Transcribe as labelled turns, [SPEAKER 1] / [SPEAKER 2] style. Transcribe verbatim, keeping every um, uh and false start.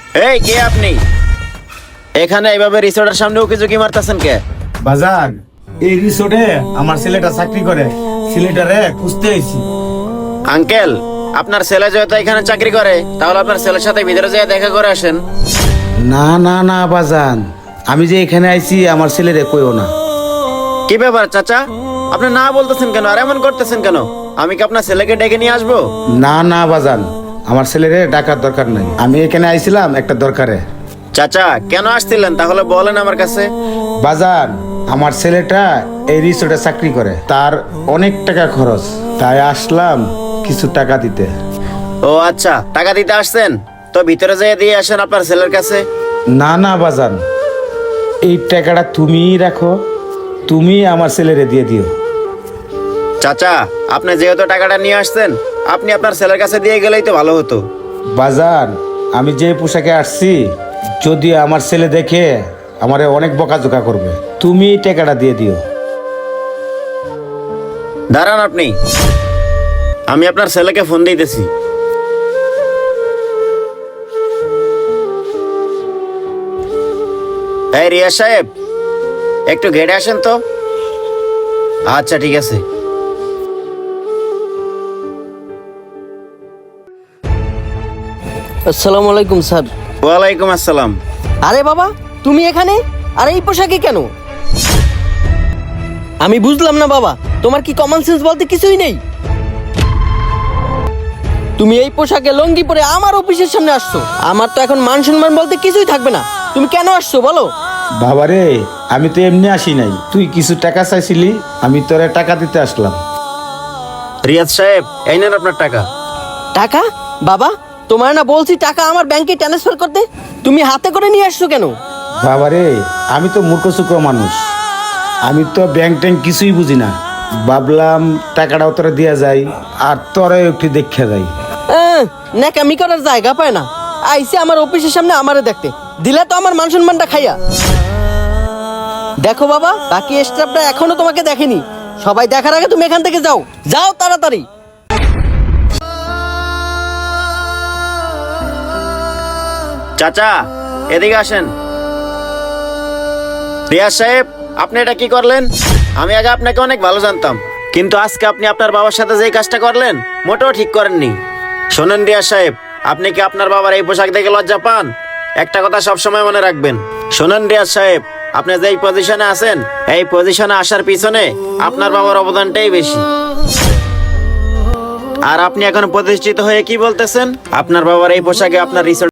[SPEAKER 1] এই কে আপনি? এখানে এইভাবে রিসোর্টের সামনে উকি ঝুঁকি মারতেছেন কে?
[SPEAKER 2] বাজান, এই রিসোর্টে আমার ছেলেটা চাকরি করে, ছেলেটারে খুঁজতে আইছি।
[SPEAKER 1] আঙ্কেল, আপনার ছেলে যেহেতু এখানে চাকরি করে, তাহলে আপনার ছেলের সাথে ভিতরে যেয়ে দেখা করে আসেন।
[SPEAKER 2] না না না বাজান, আমি যে এখানে আইছি আমার ছেলেরে কইও না।
[SPEAKER 1] কি ব্যাপার চাচা, আপনি না বলতেছেন কেন আর এমন করতেছেন কেন? আমি কি আপনার ছেলেকে ডেকে নিয়ে আসবো?
[SPEAKER 2] না না বাজান, আমার ছেলেরে ডাকার দরকার নাই, আমি এখানে আইছিলাম একটা দরকারে।
[SPEAKER 1] চাচা কেন আসছিলেন তাহলে বলেন আমার কাছে।
[SPEAKER 2] বাজান, আমার ছেলেটা এই রিসোর্টে চাকরি করে, তার অনেক টাকা খরচ, তাই আসলাম কিছু টাকা দিতে।
[SPEAKER 1] ও আচ্ছা, টাকা দিতে আসছেন, তো ভিতরে যেয়ে দিয়ে আসেন আপনার ছেলের কাছে।
[SPEAKER 2] না না বাজান, এই টাকাটা তুমিই রাখো, তুমি আমার ছেলেরে দিয়ে দিও।
[SPEAKER 1] চাচা, আপনি যেহেতু টাকাটা নিয়ে আসছেন, আপনি আপনার ছেলের কাছে দিয়ে গেলেই তো ভালো হতো।
[SPEAKER 2] বাজান, আমি যে পোশাকে আসছি, যদি আমার ছেলে দেখে আমারে অনেক বকাঝোকা করবে, তুমি এই টাকাটা দিয়ে দিও।
[SPEAKER 1] দাঁড়ান আপনি, আমি আপনার ছেলেকে ফোন দিতেছি। এই রিয়া সাহেব, একটু ঘেটে আসেন তো। আচ্ছা ঠিক আছে।
[SPEAKER 3] আসসালামু আলাইকুম স্যার।
[SPEAKER 1] ওয়ালাইকুম আসসালাম।
[SPEAKER 3] আরে বাবা, তুমি এখানে? আর এই পোশাকে কেন? আমি বুঝলাম না বাবা, তোমার কি কমন সেন্স বলতে কিছুই নেই? তুমি এই পোশাকে লঙ্গি পরে আমার অফিসের সামনে আসছো, আমার তো এখন মান সম্মান বলতে কিছুই থাকবে না। তুমি কেন আসছো বলো?
[SPEAKER 2] বাবারে, আমি তো এমনি আসি নাই, তুই কিছু টাকা চাইছিলি, আমি তোরে টাকা দিতে আসলাম।
[SPEAKER 1] রিয়াজ সাহেব, এই নেন আপনার টাকা।
[SPEAKER 3] টাকা? বাবা, তোমার না বলছি টাকা আমার ব্যাংকে ট্রান্সফার করতে, তুমি হাতে করে নিয়ে আসছো কেন?
[SPEAKER 2] বাবারে, আমি তো মূর্খ সূক্ষ্ম মানুষ, আমি তো ব্যাংক ট্যাঙ্ক কিছুই বুঝি না, ভাবলাম টাকাটাও তোরা দিয়া যায় আর তোরা একটু দেখে যাই।
[SPEAKER 3] আহ, ন্যাকামি করার জায়গা পায় না, আইসে আমার অফিসের সামনে আমারে দেখতে, দিলে তো আমার মান সম্মানটা খাইয়া। দেখো বাবা, বাকি স্টাফটা এখনো তোমাকে দেখেনি, সবাই দেখার আগে তুমি এখান থেকে যাও, যাও তাড়াতাড়ি।
[SPEAKER 1] চাচা, এদিকে আসেন। রিয়াজ সাহেব, আপনি এটা কি করলেন? আমি আগে আপনাকে অনেক ভালো জানতাম, কিন্তু আজকে আপনি আপনার বাবার সাথে যেই কাজটা করলেন, মোটেও ঠিক করেননি। শোনেন রিয়াজ সাহেব, আপনি কি আপনার বাবার এই পোশাক দেখে লজ্জা পান? একটা কথা সবসময় মনে রাখবেন। শোনেন রিয়াজ সাহেব, আপনি যেই পজিশনে আছেন, এই পজিশনে আসার পিছনে আপনার বাবার অবদানটাই বেশি। আর আপনি এখন প্রতিষ্ঠিত হয়ে কি বলতেছেন? আপনার বাবার এই পোশাকে আপনার রিসোর্ট